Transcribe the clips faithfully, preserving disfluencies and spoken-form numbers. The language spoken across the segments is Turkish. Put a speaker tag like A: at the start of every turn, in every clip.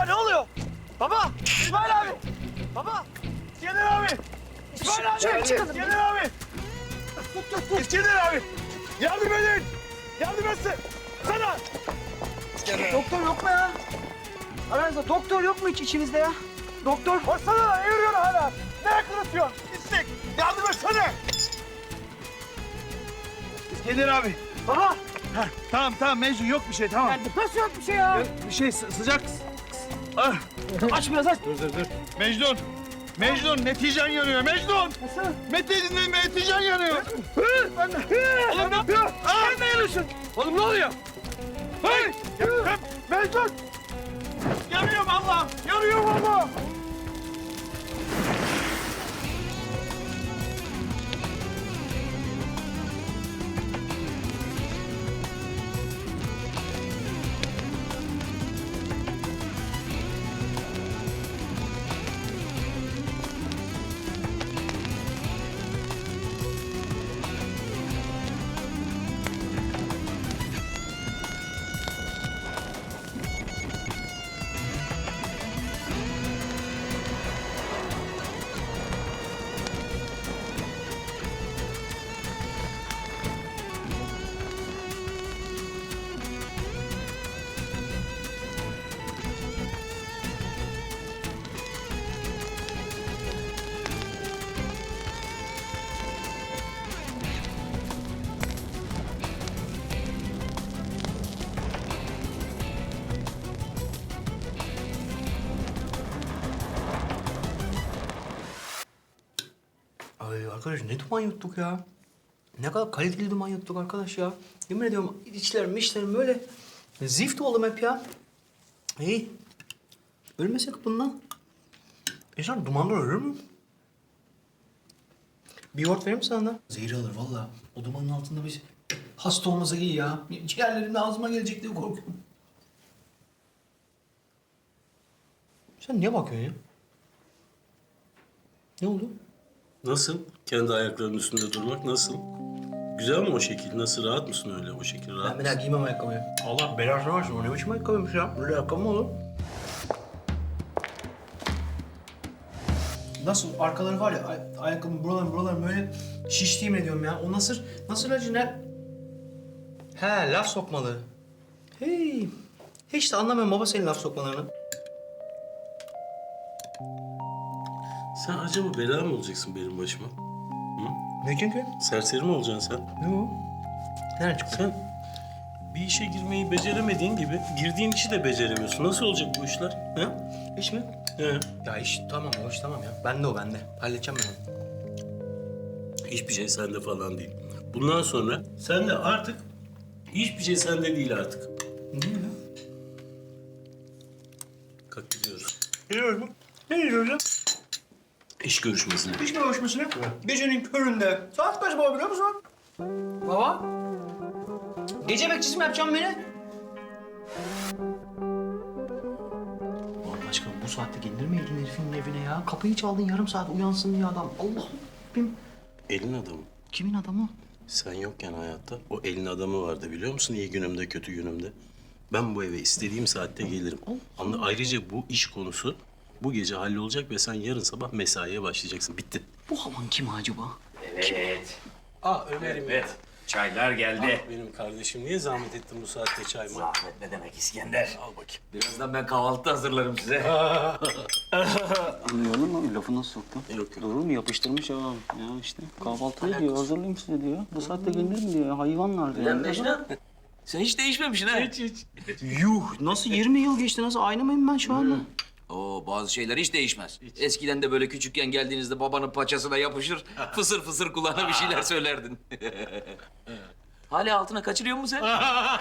A: Baba ne oluyor? Baba! İsmail abi! Baba! İskender abi! İsmail abi!
B: Çıkın, çıkın.
A: İskender abi! Tut tut tut! İskender abi! Yardım edin! Yardım etsin! Sana!
B: Doktor yok mu ya? Aranızda doktor yok mu hiç içinizde ya? Doktor.
A: Baksana lan eğiriyor hala! Ne yakınatıyorsun? İstek! Yardım etsene! İskender abi!
B: Baba.
A: Heh, tamam tamam Mecnun yok bir şey tamam.
B: Nasıl yok bir şey ya?
A: Bir şey sı- sıcak. Ah.
B: Aç biraz aç.
A: Dur dur dur. Mecnun! Mecnun neticen yanıyor Mecnun!
B: Nasıl?
A: Metin neticen yanıyor. Ben de.
B: Oğlum ne yapıyor? Sen ne yanıyorsun? Oğlum ne oluyor?
A: Hey! Ya, Mecnun! Yanıyorum Allah'ım! Yanıyorum Allah'ım!
C: Ay arkadaş ne duman yuttuk ya. Ne kadar kaliteli duman yuttuk arkadaş ya. Yemin ediyorum içlerim içlerim böyle zift oldum hep ya. İyi. Ölmesek bundan. İnsan dumandan ölür mü? Bir yoğurt vereyim mi sana da? Zehir alır vallahi. O dumanın altında biz hasta olmasa iyi ya. Ciğerlerim ağzıma gelecek diye korkuyorum. Sen niye bakıyorsun ya? Ne oldu?
D: Nasıl? Kendi ayaklarının üstünde durmak nasıl? Güzel mi o şekil? Nasıl? Rahat mısın öyle o şekil? Rahat
C: Ben bir daha giymem ayakkabıyı. Allah belasını versin. O ne biçim ayakkabıymış ya? Böyle ayakkabı mı olur? Nasıl? Arkaları var ya, ay- ayakkabının buraları buraları böyle şiştiğim ediyorum ya. O nasıl, nasıl acı ne? He, laf sokmalı. Hey, hiç de anlamıyorum baba senin laf sokmalarını.
D: Sen acaba bela mı olacaksın benim başıma?
C: Ne çünkü?
D: Serseri mi olacaksın sen?
C: Ne o? Nereden çıktı?
D: Sen bir işe girmeyi beceremediğin gibi girdiğin işi de beceremiyorsun. Nasıl olacak bu işler? He?
C: İş mi?
D: He.
C: Ya iş tamam, o iş tamam ya. Bende o, bende. Halledeceğim ben onu.
D: Hiçbir şey sende falan değil. Bundan sonra sen de artık hiçbir şey sende değil artık.
C: Ne ya?
D: Kalk gidiyoruz.
C: Gidiyoruz mu? Ne gidiyoruz ya?
D: İş görüşmesine.
C: İş görüşmesine. Gecenin köründe. Saat kaç baba biliyor musun? Baba? Gece bekçisi mi yapacaksın beni? Allah aşkına bu saatte gelir mi elin herifin evine ya? Kapıyı çaldın yarım saat uyansın diye adam. Allah'ım.
D: Elin adamı.
C: Kimin adamı?
D: Sen yokken hayatta o elin adamı vardı biliyor musun? İyi günümde, kötü günümde. Ben bu eve istediğim saatte gelirim. Anla, ayrıca bu iş konusu bu gece hallolacak ve sen yarın sabah mesaiye başlayacaksın. Bitti.
C: Bu havan kim acaba?
E: Evet.
D: Aa Ömer'im.
E: Evet. Çaylar geldi.
D: Ah, benim kardeşim niye zahmet ettin bu saatte çay mı?
E: Zahmet ne demek İskender?
D: Al bakayım.
E: Birazdan ben kahvaltı hazırlarım size.
F: Anlıyorum mu? Lafı nasıl soktu?
D: Yok yok.
F: Doğru mu? Yapıştırmış ya. Ya işte kahvaltı diyor, hazırlayayım size diyor. Bu saatte gelir mi diyor, hayvanlar diyor.
E: Lan Mecnun, sen hiç değişmemişsin ha. Hiç hiç.
C: Yuh! Nasıl yirmi yıl geçti? Nasıl aynı mıyım ben şu anda?
E: Oo, bazı şeyler hiç değişmez. Eskiden de böyle küçükken geldiğinizde babanın paçasına yapışır, fısır fısır kulağına bir şeyler söylerdin. Hala altına kaçırıyor musun sen?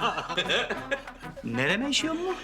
C: Nereme işiyor mu?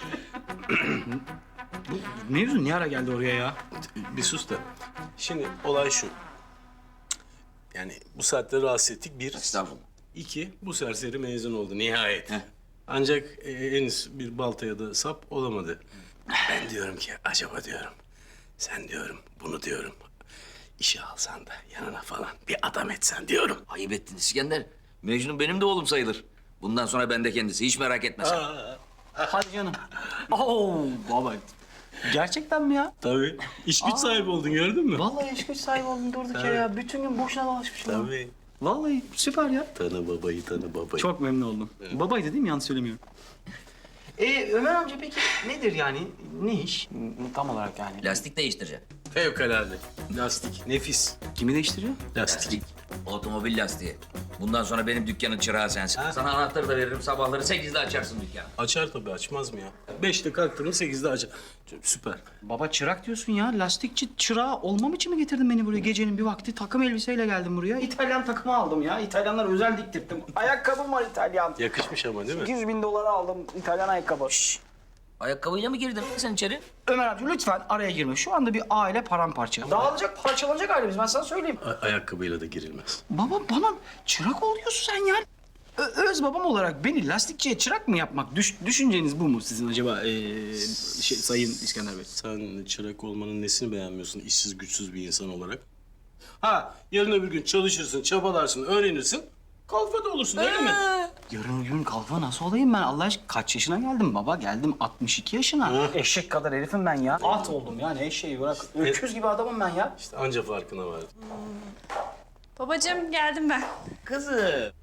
C: Bu mevzu ne ara geldi oraya ya?
D: Bir sus da. Şimdi olay şu. Yani bu saatte rahatsız ettik bir.
E: Estağfurullah.
D: İki, bu serseri mezun oldu nihayet. Ancak e, henüz bir baltaya da sap olamadı. Ben diyorum ki acaba diyorum. Sen diyorum bunu diyorum. İşe alsan da yanına falan bir adam etsen diyorum.
E: Ayıp ettin İskender. Mecnun benim de oğlum sayılır. Bundan sonra bende kendisi. Hiç merak etme sen.
C: Hadi canım. Oo baba. Gerçekten mi ya?
D: Tabii. İş güç sahibi oldun gördün mü?
C: Vallahi iş güç sahibi oldum durduk yere ya. Bütün gün boşuna dolaşmışım. ya.
D: Tabii.
C: Vallahi süper ya.
D: Tanı babayı tanı babayı.
C: Çok memnun oldum. Babaydı değil mi? Yanlış söylemiyorum. Ee, Ömer amca peki nedir yani? Ne iş? Tam olarak yani.
E: Lastik değiştireceğim.
D: Fevkalade. Lastik. Nefis.
C: Kimi değiştiriyor?
D: Lastik.
E: Otomobil lastiği. Bundan sonra benim dükkanın çırağı sensin. Sana anahtarı da veririm. Sabahları sekizde açarsın dükkanı.
D: Açar tabii, açmaz mı ya? Beşte kalktın mı sekizde açar. Süper.
C: Baba çırak diyorsun ya. Lastikçi çırağı olmam için mi getirdin beni buraya? Gecenin bir vakti takım elbiseyle geldim buraya. İtalyan takımı aldım ya. İtalyanlar özel diktirttim. Ayakkabım var İtalyan.
D: Yakışmış ama değil mi?
C: sekiz bin dolara aldım İtalyan ayakkabı. Şşş.
E: Ayakkabıyla mı girdin sen içeri?
C: Ömer amca lütfen araya girme. Şu anda bir aile paramparça. Dağılacak, parçalanacak ailemiz. Ben sana söyleyeyim.
D: A- ayakkabıyla da girilmez.
C: Baba bana çırak ol diyorsun sen ya. Ö- öz babam olarak beni lastikçiye çırak mı yapmak? Düş- düşünceniz bu mu sizin acaba ee, şey, Sayın İskender Bey?
D: Sen çırak olmanın nesini beğenmiyorsun işsiz güçsüz bir insan olarak? Ha, yarın öbür gün çalışırsın, çabalarsın, öğrenirsin. Kalfa da olursun öyle mi?
C: Yarın öbür gün kalfa nasıl olayım ben? Allah aşkına kaç yaşına geldim baba? Geldim altmış iki yaşına. Eşek kadar herifim ben ya. At oldum ya ne eşeği bırak. Öküz gibi adamım ben ya.
D: İşte anca farkına vardım.
G: Babacığım geldim ben.
D: Kızım.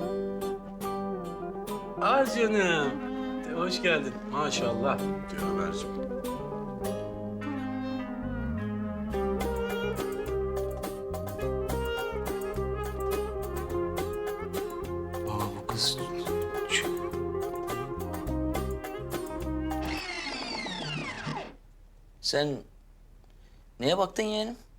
D: Ah canım. De, hoş geldin. Maşallah diyor Ömerciğim.
C: Baba bu kız...
E: Sen neye baktın yeğenim?